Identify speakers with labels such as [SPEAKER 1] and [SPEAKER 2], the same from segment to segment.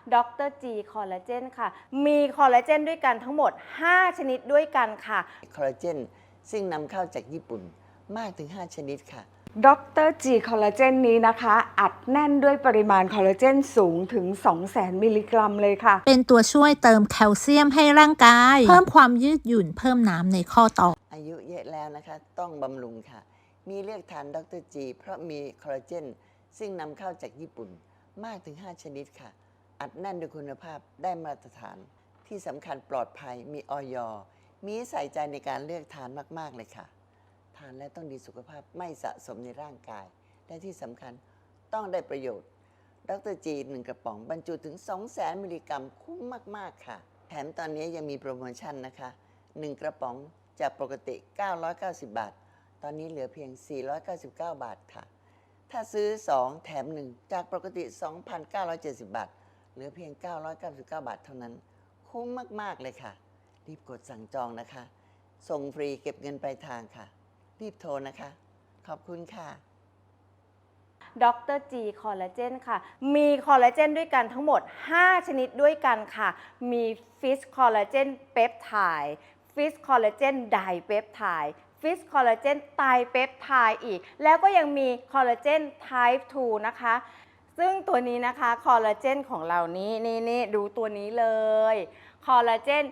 [SPEAKER 1] ดรจีคอลลาเจนค่ะมีคอลลาเจนด้วยกันทั้งหมด5ชนิดด้วยกันค่ะ
[SPEAKER 2] คอลลาเจนซึ่งนำเข้าจากญี่ปุ่นมากถึง5ชนิดค่ะ
[SPEAKER 3] ดรจีคอลลาเจนนี้นะคะอัดแน่นด้วยปริมาณคอลลาเจนสูงถึง 200,000 มิลลิกรัมเลยค่ะ
[SPEAKER 4] เป็นตัวช่วยเติมแคลเซียมให้ร่างกายเพิ่มความยืดหยุ่นเพิ่มน้ำในข้อต่อ
[SPEAKER 2] อายุเยอะแล้วนะคะต้องบำรุงค่ะมีเลือกทานดรจีเพราะมีคอลลาเจนซึ่งนำเข้าจากญี่ปุ่นมากถึง5ชนิดค่ะอัดแน่นด้วยคุณภาพได้มาตรฐานที่สำคัญปลอดภัยมีอย.มีใส่ใจในการเลือกทานมากๆเลยค่ะทานแล้วต้องดีสุขภาพไม่สะสมในร่างกายและที่สำคัญต้องได้ประโยชน์ดรจี1กระป๋องบรรจุถึง 200,000 มิลลิกรัมคุ้มมากๆค่ะแถมตอนนี้ยังมีโปรโมชั่นนะคะ1กระป๋องจากปกติ990 บาทตอนนี้เหลือเพียง499 บาทค่ะถ้าซื้อ2แถม1จากปกติ 2,970 บาทเหลือเพียง999 บาทเท่านั้นคุ้มมากๆเลยค่ะรีบกดสั่งจองนะคะส่งฟรีเก็บเงินปลายทางค่ะรีบโทรนะคะขอบคุณค่ะ
[SPEAKER 1] ดรจีคอลลาเจนค่ะมีคอลลาเจนด้วยกันทั้งหมด5ชนิดด้วยกันค่ะมีฟิชคอลลาเจนเปปไทด์ฟิชคอลลาเจนไดเปปไทด์ฟิชคอลลาเจนไตรเปปไทด์อีกแล้วก็ยังมีคอลลาเจนไทป์ 2 นะคะซึ่งตัวนี้นะคะคอลลาเจนของเรานี่ดูตัวนี้เลยคอลลาเจน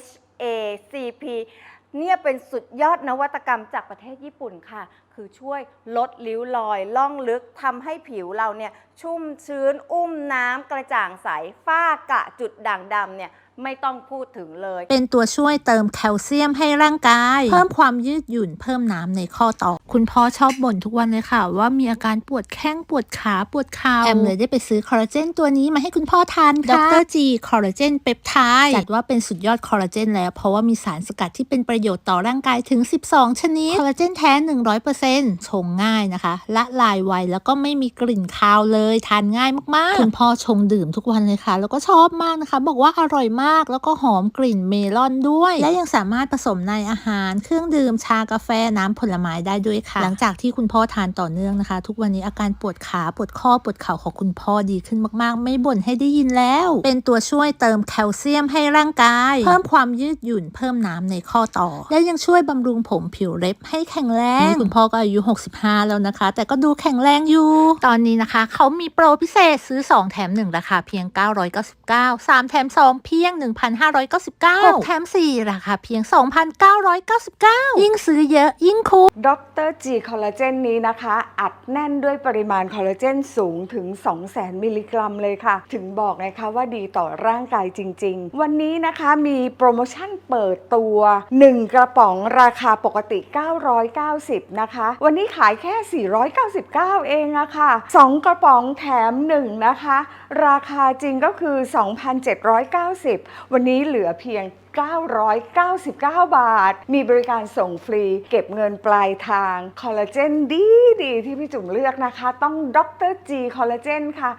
[SPEAKER 1] HACP เนี่ยเป็นสุดยอดนวัตกรรมจากประเทศญี่ปุ่นค่ะคือช่วยลดริ้วรอยล่องลึกทำให้ผิวเราเนี่ยชุ่มชื้นอุ้มน้ำกระจ่างใสฝ้ากระจุดด่างดำเนี่ยไม่ต้องพูดถึงเลย
[SPEAKER 4] เป็นตัวช่วยเติมแคลเซียมให้ร่างกายเพิ่มความยืดหยุ่นเพิ่มน้ำในข้อต่อคุณพ่อชอบบ่นทุกวันเลยค่ะว่ามีอาการปวดแข้งปวดขาปวดเข่าแอมเลยได้ไปซื้อคอลลาเจนตัวนี้มาให้คุณพ่อทานค่ะดรจีคอลลาเจนเปปไทด์จัดว่าเป็นสุดยอดคอลลาเจนแล้วเพราะว่ามีสารสกัดที่เป็นประโยชน์ต่อร่างกายถึง12ชนิดคอลลาเจนแท้ 100% ชงง่ายนะคะละลายไวแล้วก็ไม่มีกลิ่นคาวเลยทานง่ายมากๆคุณพ่อชงดื่มทุกวันเลยค่ะแล้วก็ชอบมากนะคะบอกว่าอร่อยมากแล้วก็หอมกลิ่นเมลอนด้วยและยังสามารถผสมในอาหารเครื่องดื่มชากาแฟน้ำผลไม้ได้ด้วยค่ะหลังจากที่คุณพ่อทานต่อเนื่องนะคะทุกวันนี้อาการปวดขาปวดข้อปวดเข่าของคุณพ่อดีขึ้นมากๆไม่บ่นให้ได้ยินแล้วเป็นตัวช่วยเติมแคลเซียมให้ร่างกายเพิ่มความยืดหยุ่นเพิ่มน้ำในข้อต่อและยังช่วยบำรุงผมผิวเล็บให้แข็งแรงคุณพ่อก็อายุ65แล้วนะคะแต่ก็ดูแข็งแรงอยู่ตอนนี้นะคะเขามีโปรพิเศษซื้อ2แถม1ราคาเพียง999 3แถม2เพียง 1,599 6แถม4ราคาเพียง 2,999 ยิ่งซื้อเยอะยิ่งคุ้ม
[SPEAKER 3] ดรจีคอลลาเจนนี้นะคะอัดแน่นด้วยปริมาณคอลลาเจนสูงถึง 200,000 มิลลิกรัมเลยค่ะถึงบอกไงคะว่าดีต่อร่างกายจริงๆวันนี้นะคะมีโปรโมชั่นเปิดตัว1กระป๋องราคาปกติ990นะคะวันนี้ขายแค่499เองอะค่ะ2กระป๋องแถม1นะคะราคาจริงก็คือ 2,790 วันนี้เหลือเพียง999 บาทมีบริการส่งฟรีเก็บเงินปลายทางคอลลาเจนดีที่พี่จุ๋มเลือกนะคะต้องดรจีคอลลาเจนค่ะ